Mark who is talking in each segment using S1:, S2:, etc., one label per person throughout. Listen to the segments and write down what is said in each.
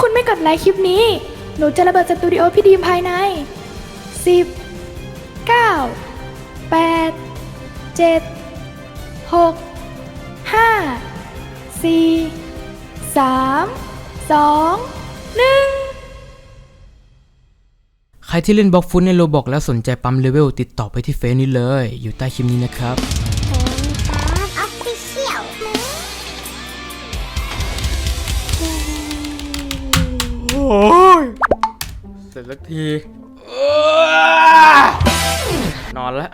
S1: คุณไม่กดไลค์คลิปนี้ หนูจะระเบิดสตูดิโอพี่ดีมภายใน10 9 8 7 6 5 4 3 2 1
S2: ใครที่เล่นบล็อกฟุตในโรบอกแล้วสนใจปั๊มเลเวลติดต่อไปที่เฟซนี้เลยอยู่ใต้คลิปนี้นะครับโอ้ยเสร็จสักทีนอนแล้ว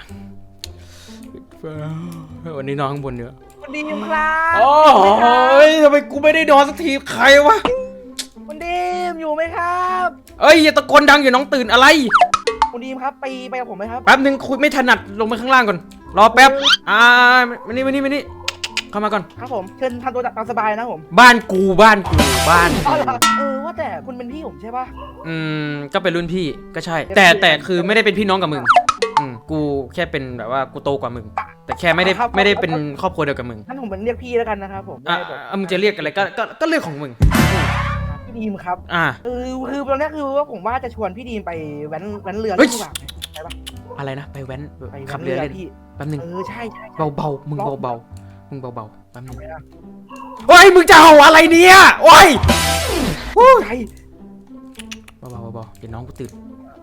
S2: วันนี้นอนข้างบนเนื้อ
S3: คุณดีมครับ
S2: โอ้ยทำไมกูไม่ได้นอนสักทีใครวะ
S3: คุณดีมอยู่ไหมครับ
S2: เอ้ยอย่าตะโกนดังอย่าน้องตื่นอะไร
S3: คุณดีมครับไปกับผมไหมครับ
S2: แป๊บนึงคุยไม่ถนัดลงไปข้างล่างก่อนรอแป๊บมานี่เข้ามาก่อน
S3: ครับผมเชิญทำตัวตามสบายนะผม
S2: บ้านกูบ้าน
S3: ว่าแต่คุณเป็นพี่ผมใช่ปะ
S2: ก็เป็นรุ่นพี่ก็ใช่แต่คือไม่ได้เป็นพี่น้องกับมึงกูแค่เป็นแบบว่ากูโตกว่ามึงแต่แค่ไม่ได้เป็นครอบครัวเดียวกับมึง
S3: งั้นผมเป็นเรียกพี่แล้วกันนะครับผม
S2: มึงจะเรียกอะไรก็เรื่องของมึง
S3: พี่ดีมครับคือตอนนี้คือว่าผมว่าจะชวนพี่ดีมไปแว้นเรือดีกว่าใช่ปะ
S2: อะไรนะไปแว้นขับเรือเล่นแป๊บนึง
S3: ใช่
S2: เบามึงเบาแป๊บนึงโอ้ยมึงจะเอาอะไรเนี่ยโอ้ย
S3: ใจ
S2: เบาเดี๋ยวน้องกูตื่น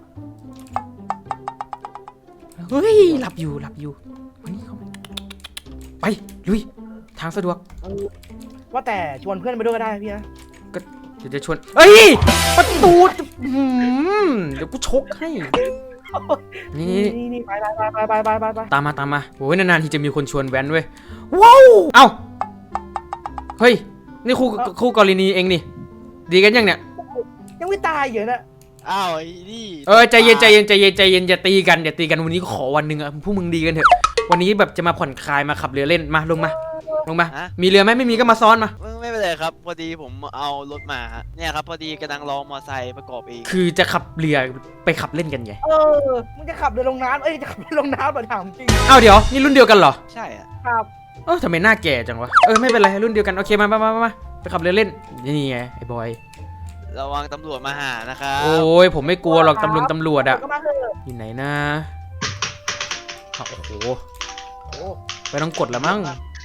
S2: เฮ้ยหลับอยู่วันนี้เขาไปลุยทางสะดวก
S3: ว่าแต่ชวนเพื่อนไปด้วยก็ได้พี่นะ
S2: ก็เดี๋ยวจะชวนเอ้ยประตูเดี๋ยวกูชกให้
S3: นี่ไป
S2: ตามมาโอ้ยนานๆที่จะมีคนชวนแว้นเว้ยว้าวเอ้าเฮ้ยนี่คู่กรณีเองนี่ดีกันยังเนี่ย
S3: ยังไม่ตายอยู่นะ
S4: อ้าวไอ้นี่
S2: ใจเย็นอย่าตีกันวันนี้ขอวันหนึ่งอะพวกมึงดีกันเถอะวันนี้แบบจะมาผ่อนคลายมาขับเรือเล่นมาลงมามีเรือไหมไม่มีก็มาซ้อนมา
S4: ไม่เป็นไรครับพอดีผมเอารถมาเนี่ยครับพอดีกำลังรอมอไซค์ประกอบเอง
S2: คือจะขับเรือไปขับเล่นกันไง
S3: มึงจะขับเรือลงน้ำจะขับเรือลงน้ำมาถามจริง
S2: เดี๋ยวนี่รุ่นเดียวกันเหรอ
S4: ใช่
S3: ครับ
S2: ทำไมหน้าแก่จังวะไม่เป็นไรรุ่นเดียวกันโอเคมาไปขับเรือเล่นนี่ไงไอ้บอย
S4: ระวังตำรวจมาหานะครับ
S2: โอ้ยผมไม่กลัวหรอกตำรวจอะอยู่ไหนนะโอ้โหไปต้องกดแล้วมั้ง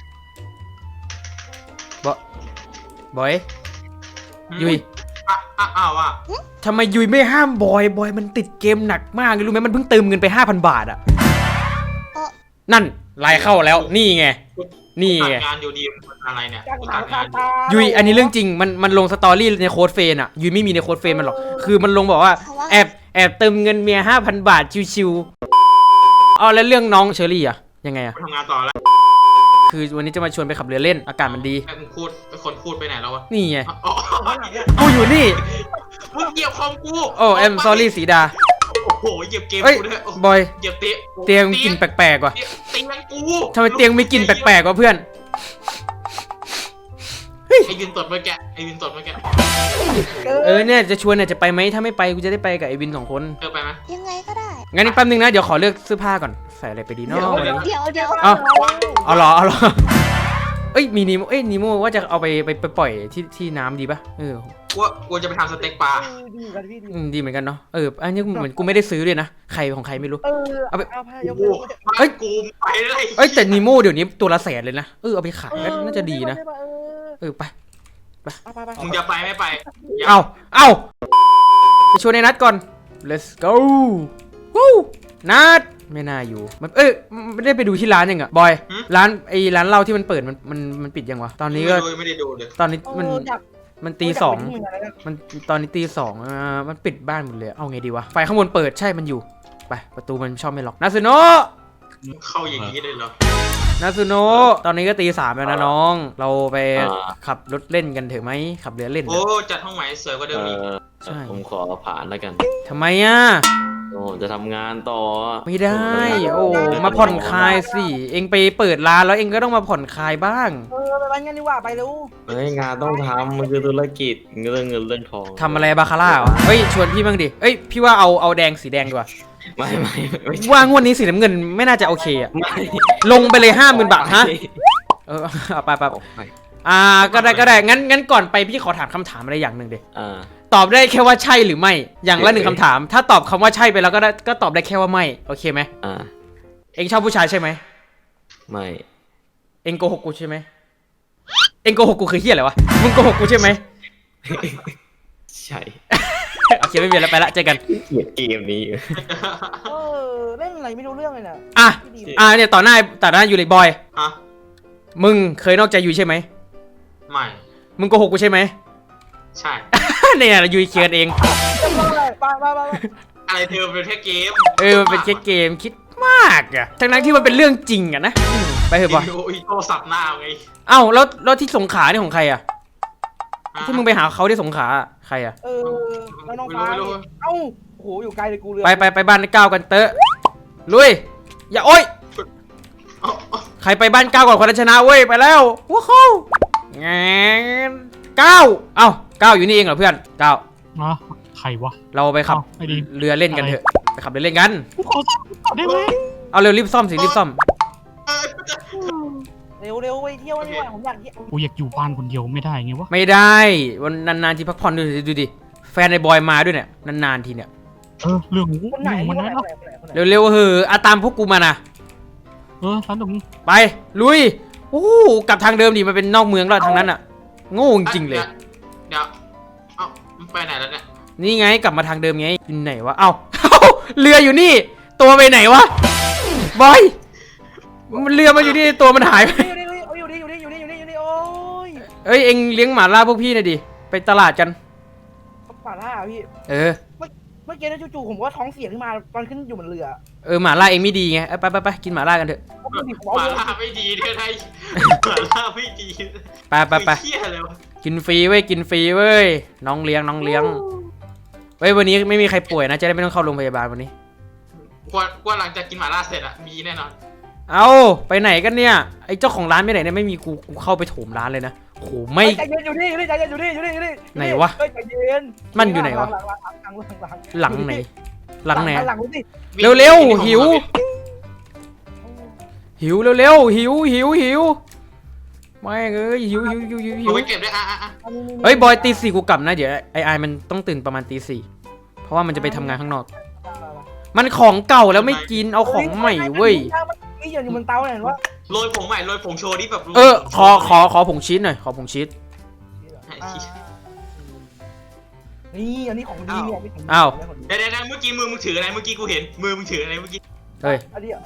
S2: บอยยุยทำไมยุยไม่ห้ามบอยมันติดเกมหนักมากรู้ไหมมันเพิ่งเติมเงินไป 5,000 บาทอะนั่นไลน์เข้าแล้วนี่ไง
S5: งานอยู่ดีอะไรเนี่ย
S2: ยุยอันนี้เรื่องจริงมันลงสตอรี่ในโค้ดเฟนอะยุยไม่มีในโค้ดเฟนมันหรอกคือมันลงบอกว่าแอบเติมเงินเมีย 5,000 บาทชิวๆแล้วเรื่องน้องเชอรี่อะยังไงอะ
S5: ทำงานต่อแล้ว
S2: คือวันนี้จะมาชวนไปขับเรือเล่นอากาศมันดี
S5: คนพูดไปไหนแล้ววะ
S2: นี่ไงกูอยู่นี่
S5: มึงเหยียบคอมกู
S2: แอมซอรี่สีดา
S5: โอ้โหเหยียบเกมกูด้วย
S2: บอย
S5: เหยียบ
S2: เตียงกลิ่นแปลกๆว่ะ
S5: เตียงกู
S2: ทำไมเตียงมีกลิ่นแปลกๆวะเพื่อน
S5: ไอ้วินตดเมื่อกี้
S2: เนี่ยจะชวนจะไปไหมถ้าไม่ไปกูจะได้ไปกับไอ้วิน2 คน
S5: ไปไหม
S1: ยังไงก็ได้
S2: งั้นอีกแป๊บนึงนะเดี๋ยวขอเลือกเสื้อผ้าก่อนใส่อะไรไปดีเนาะ
S1: เดี๋ยว
S2: เอาหรอมีนีโมว่าจะเอาไปปล่อยที่น้ำดีป่ะ
S5: กูจะไปทำสเต็กปลา
S2: ดีเหมือนกันเนาะอันนี้เหมือนกูไม่ได้ซื้อเลยนะใครของใครไม่รู้
S5: เอาไปกูไป
S2: เลยแต่นีโมเดี๋ยวนี้ตัวละ100,000เลยนะเอาไปขายน่าจะดีนะไป
S5: มึงจะไปไม่ไป
S2: เอาไปชวนในนัดก่อน let's go นัดไม่น่าอยู่ไม่ได้ไปดูที่ร้านยังบอยร้านเหล้าที่มันเปิดมันปิดยังวะตอนนี้ก็
S5: ไม่ได้ดูเลย
S2: ตอนนี้มันตี 2มันตอนนี้ตี 2มันปิดบ้านหมดเลยเอาไงดีวะไฟข้างบนเปิดใช่มันอยู่ไปประตูมันชอบไม่ล็อกนาซุโนะ
S5: เข้าอย่างนี้ได้เหรอ
S2: นาซุโนะตอนนี้ก็ตี 3แล้วนะน้องเราไปขับรถเล่นกันเถอะไหมขับเรือเล่น
S5: จัดห้องใหม่สวยกว่าเดิมอีก
S4: ใช่ผมขอผ่านแล้วกัน
S2: ทำไม
S4: จะทำงานต่อ
S2: ไม่ได้มาผ่อนคลายสิเองไปเปิดร้านแล้วเองก็ต้องมาผ่อนคลายบ้าง
S3: ไปร้านกันดีกว่าไปรู้
S4: งานต้องทำมันคือธุรกิจเรื่องเงินเรื่องทอง
S2: ทำอะไรบาคาร่าชวนพี่บ้างดิพี่ว่าเอาแดงสีแดงดีกว่า
S4: ไม่
S2: ว่างวดนี้สีน้ำเงินไม่น่าจะโอเคลงไปเลย50,000 บาทฮะไปก็ได้งั้นก่อนไปพี่ขอถามคำถามอะไรอย่างหนึ่งดิ
S6: อ่า
S2: ตอบได้แค่ว่าใช่หรือไม่อย่างละหนึ่งคำถาม ถ้าตอบคำว่าใช่ไปแล้วก็ตอบได้แค่ว่าไม่โอเคไหม
S6: อ่า
S2: เอ็งชอบผู้ชายใช่ไหม
S6: ไม่
S2: เอ็งโกหกกูใช่ไหมเอ็งโกหกกูคือเฮียอะไรวะมึงโกหกกูใช่ไหม
S6: ใช่
S2: โอเคไม่มีแล้วไปละเจอกัน
S6: เกลียดเกมนี้
S3: เล่นอะไรไม่รู้เรื่องเลยน่ะ
S2: อ่ะเนี่ยต่อหน้าอยู่เลยบอย
S5: ฮะ
S2: มึงเคยนอกใจยูใช่ไหม
S5: ไม่
S2: มึงโกหกกูใช่ไหม
S5: ใช่
S2: เนี่ยยูเคียนเอง
S3: ไป
S5: อะไรเธอเป็นแค่เกม
S2: มันเป็นแค่เกมคิดมากอะทั้งที่มันเป็นเรื่องจริงอะนะไปเถอะบอย
S5: อีโต้สับหน้าไง
S2: เอ้าแล้วที่สงขลานี่ของใครอะที่มึงไปหาเขาที่สงขลาใครอะ
S3: แล้วน้องฟ้าเอ้าโอ้โหอยู่ไกลเลยกูเรือ
S2: ไปบ้านก้าวกันเตอะลุยอย่าโอ๊ย
S5: เอา
S2: ใครไปบ้านก้าวก่อนคนนั้นชนะเว้ยไปแล้วว้าวเข้าแงนก้าวเอ้าก้าวอยู่นี่เองเหรอเพื่อนก้าว
S7: นะใครวะ
S2: เราไปขับ
S7: ไอ้ดี
S2: เรือเล่นกันเถอะไปขับเรือเล่นกัน
S7: กูขอได้ไหม
S2: เอาเร็วรีบซ่อมสิรีบซ่อม
S3: เร็วไปเที่ยวนี่ว่าผมอยากเที่ยว
S7: กูอยากอยู่บ้านคนเดียวไม่ได้ไงวะ
S2: ไม่ได้วันนานๆทีพักผ่อนดูดิแฟนในบอยมาด้วยเนี่ยนานๆทีเนี่ย
S7: เรื่องของ
S3: คนไหน
S7: มันนะ
S2: เร็วๆตามพวกกูมานะ
S7: ร้านตรงนี้
S2: ไปลุยโอ้กลับทางเดิมดิมันเป็นนอกเมืองแล้วทางนั้นอ่ะโง่จริงๆเลย
S5: เดี๋ยวเอ้ามันไปไหนแล้วเนี่ย
S2: นี่ไงกลับมาทางเดิมไงอยู่ไหนวะเอ้า เรืออยู่นี่ ตัวไปไหนวะบอยมันเรือมาอยู่นี่ตัวมันหายไป
S3: อยู่นี่โอ้ย
S2: เอ้ยเอ็งเลี้ยงหมาล่าพวกพี่หน่อยดิไปตลาดกัน
S3: ป่าล่าพี่
S2: เออ
S3: เมื่อกี้นะจู่ๆผมก็ท้องเสียขึ้นมาตอนขึ้นอยู่บนเรือ
S2: หมาล่าเอ็งไม่ดีไงไปกินหมาล่ากันเถอะ
S5: หมาล่าไม่ดีด้วยไทยหมาล่าไม่ดี
S2: ไป
S5: เหี้ยเลยวะ
S2: กินฟรีเว้ยน้องเลี้ยงเว้ยวันนี้ไม่มีใครป่วยนะจะได้ไม่ต้องเข้าโรงพยาบาลวันนี้
S5: กว่าหลังจากกินหมาล่าเสร็จอะมีแน่นอน
S2: เอาไปไหนกันเนี่ยไอ้เจ้าของร้านไปไหนเนี่ยไม่มีกูเข้าไปโถมร้านเลยนะโหไม่
S3: ใจเย็นอยู่นี่ใจเย็นอยู่นี่
S2: ไหนวะ
S3: ใจเย็น
S2: มันอยู่ไหนวะหลังไหน
S3: หลังสิ
S2: เร็วหิวเร็วหิวไม่เอ้ยหิว
S5: เอาไปเก็บด้วยอ่ะ
S2: เฮ้ยบอยตีสี่กูกลับนะเดี๋ยวไอมันต้องตื่นประมาณตีสี่เพราะว่ามันจะไปทำงานข้างนอก มันของเก่าแล้วไม่กินเอาของใหม่เว้ย
S3: นี่อยู่บนเตาเห็นว่า
S5: โรยผงใหม่โรยผงโชว์ดิแบบ
S2: ขอผงชีสหน่อยขอผงชีส
S3: นี่อันนี้ของดีเนี่ย
S2: อ้าว
S5: เดี๋ยวเมื่อกี้มือมึงถืออะไรเมื่อกี้กูเห็นมือมึงถืออะไรเมื่อกี้
S2: เฮ้ย
S3: อันนี้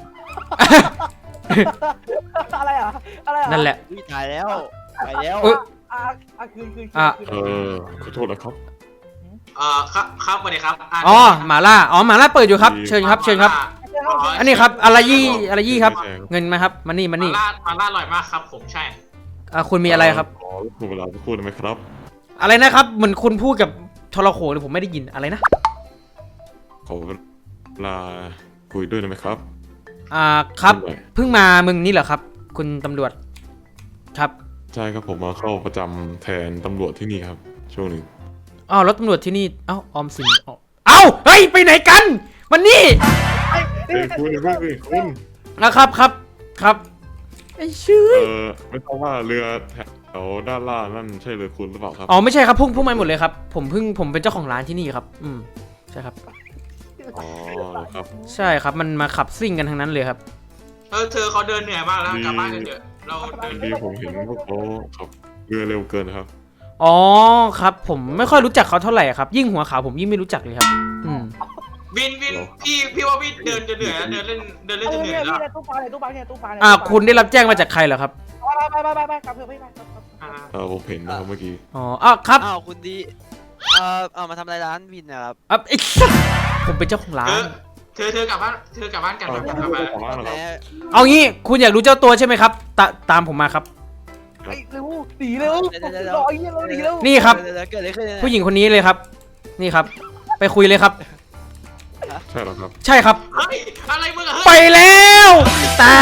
S3: อะไรอ่ะ
S2: นั่นแหละ
S4: ตายแล้วไปแล้ว
S3: คืน
S6: ขอโทษนะครับ
S5: ครับสวัสดีครับ
S2: อ๋อหมาล่าเปิดอยู่ครับเชิญครับอันนี้ครับอะไรยี่ครับเงินมาครับมานี่
S5: มาล่าอร่อยมากครับผมใช่
S2: คุณมีอะไรครับ
S6: ขอคุณเวลาสักครู่ได้ไหมครับ
S2: อะไรนะครับเหมือนคุณพูดกับทรโขงเลยผมไม่ได้ยินอะไรนะ
S6: ขอเวลาคุยด้วยได้ไหมครับ
S2: ครับเพิ่งมาเมืองนี้เหรอครับ คุณตำรวจครับ
S6: ใช่ครับผมมาเข้าประจำแทนตำรวจที่นี่ครับช่วงหนึ่ง
S2: อ้าวรถตำรวจที่นี่เอ้าออมสินเอ้าเฮ้ยไปไหนกันมันนี่
S6: คุณ
S2: ครับไอ้ชื่อ
S6: ไม่ทราบว่าเรือแถวด้านล่างนั่นใช่เรือคุณหรือเปล่าครับ
S2: อ๋อไม่ใช่ครับพุ่งมาหมดเลยครับผมเป็นเจ้าของร้านที่นี่ครับใช่ครับ
S6: อ๋อครับ
S2: ใช่ครับมันมาขับซิ่งกันทั้งนั้นเลยครับ
S5: เธอเขาเดินเหนื่อยมากแล้วกลับบ้านกันเถอะเราเดิน
S6: ดีผมเห็นพวกเขาขับเรือเร็วเกินครับ
S2: อ๋อครับผมไม่ค่อยรู้จักเขาเท่าไหร่ครับยิ่งหัวขาวผมยิ่งไม่รู้จักเลยครับ
S5: วินพี่ว่าพี่เดินจะเหนื่อยเดินเล่นจะเหนื่อยแล้ว
S3: ตู้ปลา
S2: คุณได้รับแจ้งมาจากใครเหรอครับ
S3: ไปกลับเถอะไป
S6: ผมเห็นนะครับเมื่อกี้
S2: อ๋อครับ
S4: อ้าวคุณดีมาทำอะไรร้านวินนะครับ
S2: ไอ้ผมเป็นเจ้าของร้าน
S5: เธอกลับบ้านกันกลับบ้าน
S2: เอางี้คุณอยากรู้เจ้าตัวใช่ไหมครับตามผมมาครับ
S3: เร็วหนีเร็วรอไอ้เงี้ยเราหนีเร็ว
S2: นี่ครับ
S4: เกิดอะไรขึ้น
S2: ผู้หญิงคนนี้เลยครับ นี่ครับ ไปคุยเลยครับ
S6: ใช่แล้วครับ
S2: ใช่ครับ
S5: เฮ้ยอะไรมึงอะ
S2: ไปแล้วแต่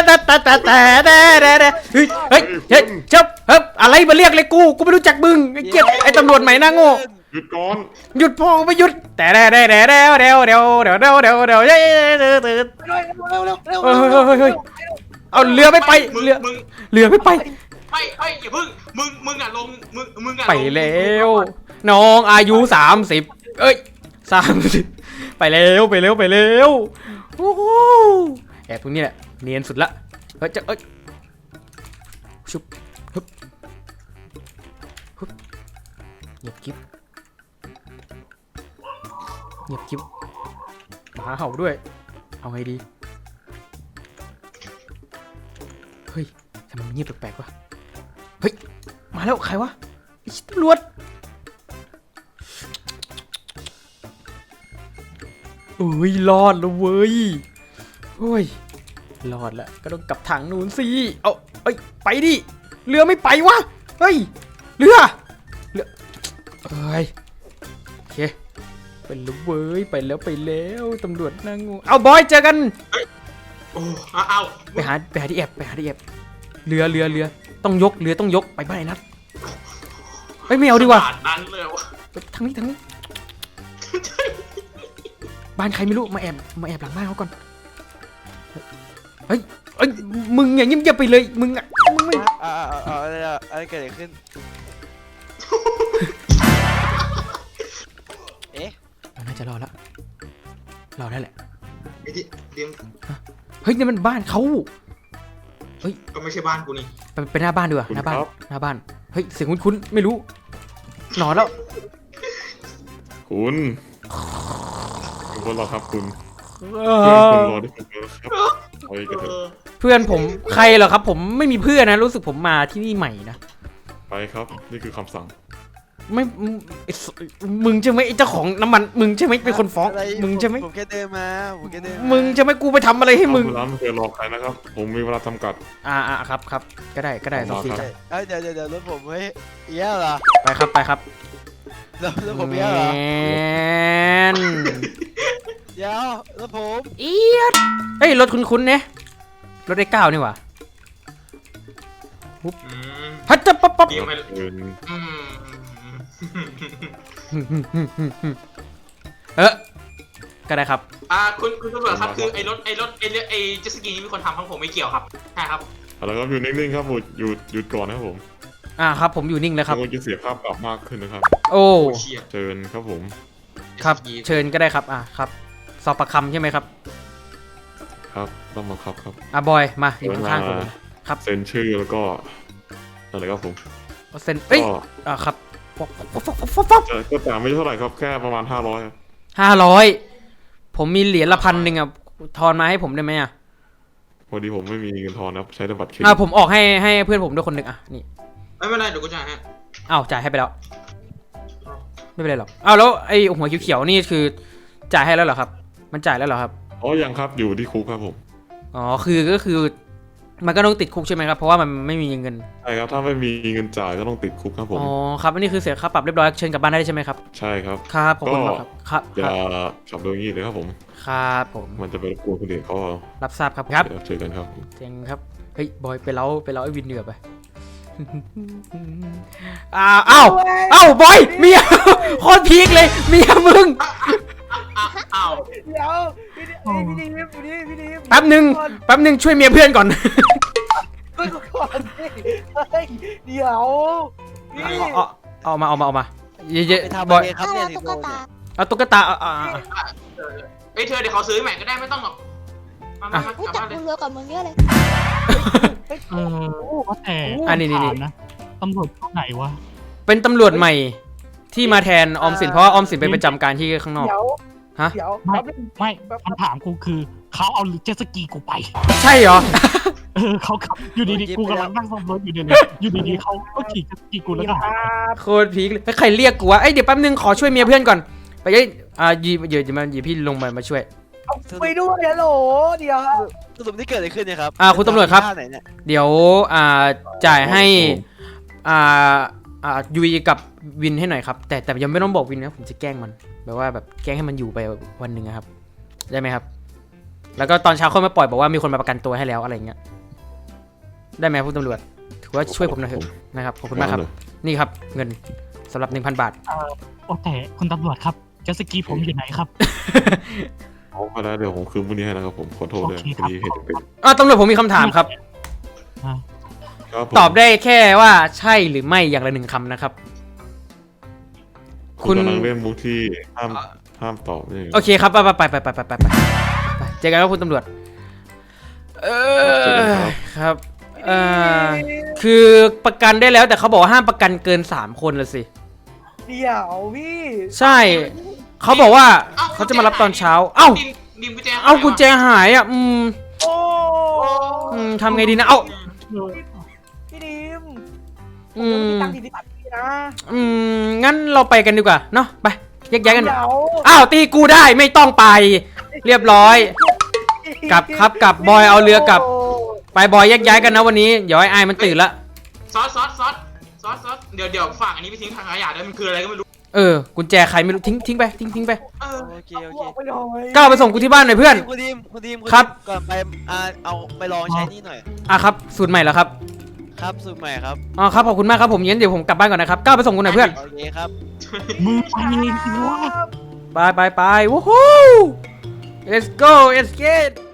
S2: เฮ้ยเจ้าอะไรมาเรียกเลยกูไม่รู้จักมึงไอ้เกียไอ้ตำรวจใหม่หน้าโง่
S6: หยุดก่อน
S2: หยุดพ่อไม่หยุดแต่เเอาเรือไม่ไปเรือไม่ไป
S5: ไม่อย่าพึ่งมึงอ่ะลงมึงอ่ะ
S2: ไปแล้วน้องอายุ30เอ้ย30ไปแล้วโอ้โหแอบตรงนี้แหละเนียนสุดละเอ้ยชุบฮึบเงียบกิ๊บหมาเห่าด้วยเอาไงดีเฮ้ยทำไมมันเงียบแปลกๆวะเฮ้ยมาแล้วใครวะไอ้ตำรวจโอ้ยรอดแล้วเว้ยโอ้ยรอดแล้วก็ต้องกลับทางนู้นสิเอาเอ้ยไปดิเรือไม่ไปวะเฮ้ยเรือเอ้ยโอเคไปแล้วเว้ยไปแล้วตำรวจนั่งงูเอาบอยเจอกัน
S5: โอ้เอา
S2: ไปหาที่แอบเรือต้องยกเรือต้องยกไปบ้านไอ้นัทเฮ้ยไม่เอาดีกว่า
S5: ขนาดนั้นเลยวะ
S2: ทางนี้บ้านใครไม่รู้มาแอบหลังบ้านเขาก่อนเฮ้ยมึงอย่างเงียบๆไปเลยมึงไม่
S4: อะไรเกิดอะไรขึ้น เอ๊ะ
S2: น่าจะรอดได้แหละ
S5: ไอ้ที่เตรียม
S2: เฮ้ยนี่มันบ้านเขา
S5: ก็ไม่ใช่บ้านกูนี่
S2: ไปหน้าบ้านดีกว่าหน้าบ้านเฮ้ยเสียงคุ้นๆไม่รู้หนอนแล้ว
S6: คุณรอครับคุณ
S2: เอ
S6: คุณ
S2: อ
S6: รอที่ผมแล้วครับไปกันเถอะ
S2: เพื่อนผมใครเหรอครับผมไม่มีเพื่อนนะรู้สึกผมมาที่นี่ใหม่นะ
S6: ไปครับนี่คือคำสั่ง
S2: ไม่มึงใช่ไหมไอ้เจ้าของน้ำมันมึงใช่ไหมเป็นคนฟ้อง
S4: อะไร
S2: มึงใช่ไหม
S4: ผมแค่เดินมา
S2: มึงใช่ไหมกูไปทำอะไรให้มึง
S6: ร้านไม่เคยรอใครนะครับ ผมมีเวลาจำกัด
S2: ครับก็ได้สองที
S6: ครั
S2: จ้ะ
S6: บ
S4: เอ้ยเดี๋ยวรถผมเฮ้ยเอี้ยเหรอ
S2: ไปครับ
S4: รถผมเอี้ยเหรอ
S2: แมน
S4: เดี๋ยวรถผม
S2: เอียดเฮ้ยรถคุ้นๆเนี่ยรถได้9นี่หว่า
S5: อืม
S2: ฮัจจะปั๊บ
S5: เตรียมไป
S6: เงิน
S5: อืม
S2: ก็ได้ครับ
S5: คุณตำรวจครับคือไอ้รถไอ้เจ็ตสกีนี่มีคนทำทั้งผมไม่เกี่ยวครับใช่ครับ
S6: อะไรครับอยู่นิ่งๆครับหยุดก่อนนะครับผม
S2: ครับผมอยู่นิ่งเลยครับ
S6: เดี๋ยวจะเสียภาพปรับมากขึ้นนะครับ
S2: โอ้
S5: โอ้เชี่ย
S6: เชิญครับผม
S2: ครับเชิญก็ได้ครับครับสอบประคำใช่ไหมครับ
S6: ครับต้องบังคับครับ
S2: บอยมาอยู่ข้างๆผมเลยครับ
S6: เซ็นชื่อแล้วก็อะไรครับผม
S2: เซ็นเอ้ย
S6: ก็
S2: ครับ
S6: ก็จ่ายไม่เท่าไหร่ครับแค่ประมาณ500ครับ
S2: 500ผมมีเหรียญละ1,000อ่ะทอนมาให้ผมได้ไหมอ่ะ
S6: พอดีผมไม่มีเงินทอนนะครับใช้แต่บัตรเครดิต
S2: ผมออกให้เพื่อนผมด้วยคนหนึ่งนี่
S5: ไม่เป็นไรเดี๋ยวกูจ่ายให้
S2: จ่ายให้ไปแล้วไม่เป็นไรหรอกแล้วไอ้หัวเขียวๆนี่คือจ่ายให้แล้วเหรอครับมันจ่ายแล้วเหรอครับ
S6: ยังครับอยู่ที่คุกครับผม
S2: ก็คือมันก็ต้องติดคุกใช่ไหมครับเพราะว่ามันไม่มีเงิน
S6: ใช่ครับถ้าไม่มีเงินจ่ายก็ต้องติดคุกครับผม
S2: ครับอันนี้คือเสียค่าปรับเรียบร้อยเชิญกลับบ้านได้ใช่ไหมครับ
S6: ใช่ครับ
S2: ครับขอบคุณมากครับ
S6: อย่าขับโดยงี้เลยครับผม
S2: ครับผม
S6: มันจะไปรบกวนคนอื่นเขาเอา
S2: รับทราบครับ
S6: เดี๋ยวเจอกันครับ
S2: เจ๋งครับเฮ้ยบอยไปเล้าไอ้วินเดือไปบอยเมียโคตรพีคเลยเมียมึง
S5: อ้าว
S3: เดี๋ยวพี่ดีม
S2: แป๊บหนึ่งช่วยเมียเพื่อนก่อน
S3: ช่วยกูก่อนเฮ้ยเดี๋ยวพี่
S2: เอามาเยอะ
S4: ไปทำ
S2: ๆบอย
S4: อะไรครับเนี่ยสิโดนเนี่ย
S2: เอาตุ๊กตา
S5: เฮ้ยเธอเดี๋ยวเขาซื้อใหม่ก็ได้ไม่ต้องหรอกมาก
S8: รู้
S5: ลับ
S8: จัก
S5: บ้านเล
S8: มึ
S5: ย
S8: งเยอะกว่ามึงเยอะเลย
S7: ว่าแต่
S2: นี่
S7: ถามนะตำรวจคนไหนวะ
S2: เป็นตำรวจใหม่ที่มาแทนออมสินเพราะว่าออมสินไปประจำการที่ข้างนอก
S3: เดี๋ยว
S2: ฮะ
S3: เดี๋ยว
S7: ไม่คำถามกูคือเขาเอาเจ็ตสกีกูไป
S2: ใช่เหรอ
S7: เขาขับอยู่ดีๆกูกำลังนั่งซ่อมรถอยู่อยู่ดีๆเขาก็ขี่เจ็ตสกีกูแล้วก็หาย
S2: โคตรพีคเลยแล้วใครเรียกกูวะเดี๋ยวแป๊บนึงขอช่วยเมียเพื่อนก่อนไปยีพี่ลงมาช่วย
S3: ไปด้วยฮัลโหลเดี๋ยว
S4: สรุปนี่เกิดอะไรขึ้นเนี่ยครับ
S2: คุณตำรวจครับ
S4: ท่าไหนเนี่ย
S2: เดี๋ยวจ่ายให้ยุยกับวินให้หน่อยครับแต่ยังไม่ต้องบอกวินนะผมจะแกล้งมันแบบว่าแบบแกล้งให้มันอยู่ไปวันหนึ่งนะครับได้ไหมครับแล้วก็ตอนเช้าค่อยมาปล่อยบอกว่ามีคนมาประกันตัวให้แล้วอะไรเงี้ยได้ไหมผู้ตำรวจถือว่าช่วยผมหน่อยเถอะนะครับขอบคุณมากครับนี่ครับเงินสำหรับ 1,000 บาท
S7: แต่คุณตำรวจครับเจ็ตสกีผมอยู่ไหนครับ
S6: เอาไปแล้วเดี๋ยวผมคืนพรุ่งนี้ให้นะครับผมขอโทษด้วย
S7: โอเค
S6: พ
S7: ครั
S6: อบ ดีเหตุเป็น
S2: ตำรวจผมมีคำถามครับ
S6: ครับผม
S2: ตอบได้แค่ว่าใช่หรือไม่อย่างละหนึ่งคำนะครับ
S6: คุณกำลังเล่นมุกที่ห้ามตอบนี่
S2: โอเคครับไปเจอกันครับคุณตำรวจครับคือประกันได้แล้วแต่เขาบอกว่าห้ามประกันเกิน3 คนละสิ
S3: เดี๋ยวพี่
S2: ใช่เขาบอกว่าเขาจะมารับตอนเช้าเอ้า
S5: ดิมกุญแจ
S2: เอ้ากุญแจหายอ่ะ
S3: โอ้
S2: ทำไงดีนะเอ้า
S3: พี่ดีม
S2: อืม
S3: พี่ตั้งทีที่ตัดพี่นะ
S2: งั้นเราไปกันดีกว่าเนาะไปแยกย้ายกัน
S3: เดี๋ยว
S2: อ้าวตีกูได้ไม่ต้องไป เรียบร้อย กลับครับกลับบอยเอาเรือกลับ ไปบอยแยกย้ายกันนะวันนี้เดี๋ยวไอ้มันตื่นละ
S5: ซอสเดี๋ยวฝากอันนี้ไปทิ้งทางขยะด้วยมันคืออะไรก็ไม่รู้
S2: กุญแจใครไม่รู้ทิ้งไปทิ้งไป
S4: โอเค
S3: บอกไปหน่อย
S2: ก้าวไปส่งกูที่บ้านหน่อยเพื่อน
S4: คุณทีม
S2: ครับ
S4: ก่อนไปเอาไปลองใช้นี่หน่อย
S2: ครับสูตรใหม่แล้วครับ
S4: ครับสูตรใหม่ครับ
S2: ครับขอบคุณมากครับผมงั้นเดี๋ยวผมกลับบ้านก่อนนะครับก้าวไปส่งกูหน่อยเพื่อน
S4: โอเคครับ
S7: มือไปเลยสิวะ
S2: ไปวู้ฮู้ let's go let's get